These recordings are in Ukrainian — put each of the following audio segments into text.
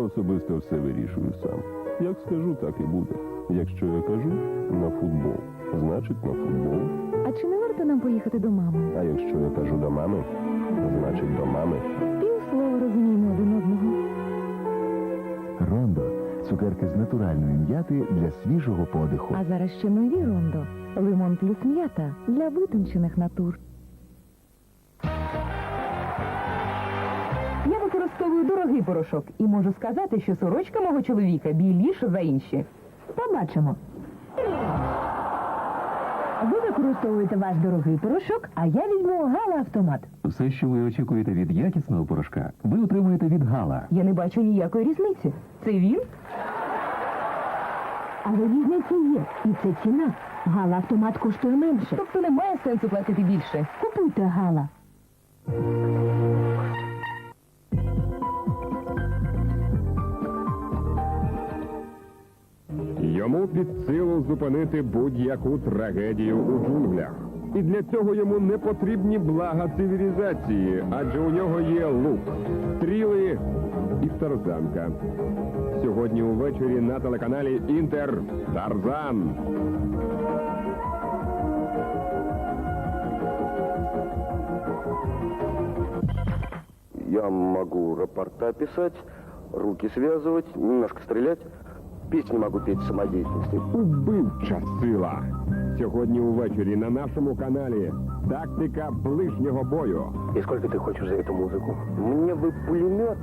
особисто все вирішую сам. Як скажу, так і буде. Якщо я кажу на футбол, значить на футбол. А чи не варто нам поїхати до мами? А якщо я кажу до мами, значить до мами. Півслова розуміємо один одного. Рондо – цукерки з натуральної м'яти для свіжого подиху. А зараз ще нові Рондо. Лимон плюс м'ята для витончених натур. Я використовую дорогий порошок і можу сказати, що сорочка мого чоловіка біліша за інші. Побачимо. Ви використовуєте ваш дорогий порошок, а я візьму Гала Автомат. Все, що ви очікуєте від якісного порошка, ви отримуєте від Гала. Я не бачу ніякої різниці. Це він? Але різниця є. І це ціна. Гала Автомат коштує менше. Тобто немає сенсу платити більше. Купуйте Гала. Йому під силу зупинити будь-яку трагедію у джунглях. І для цього йому не потрібні блага цивілізації, адже у нього є лук, стріли і тарзанка. Сьогодні увечері на телеканалі «Інтер» Тарзан. Я могу рапорта писать, руки связывать, немножко стрелять. Песни могу петь самодеятельности. Убивча сила. Сьогодні увечері на нашому каналі «Тактика ближнього бою». И сколько ты хочешь за эту музыку? Мне бы пулемет.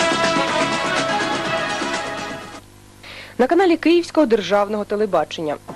На каналі Київського державного телебачення.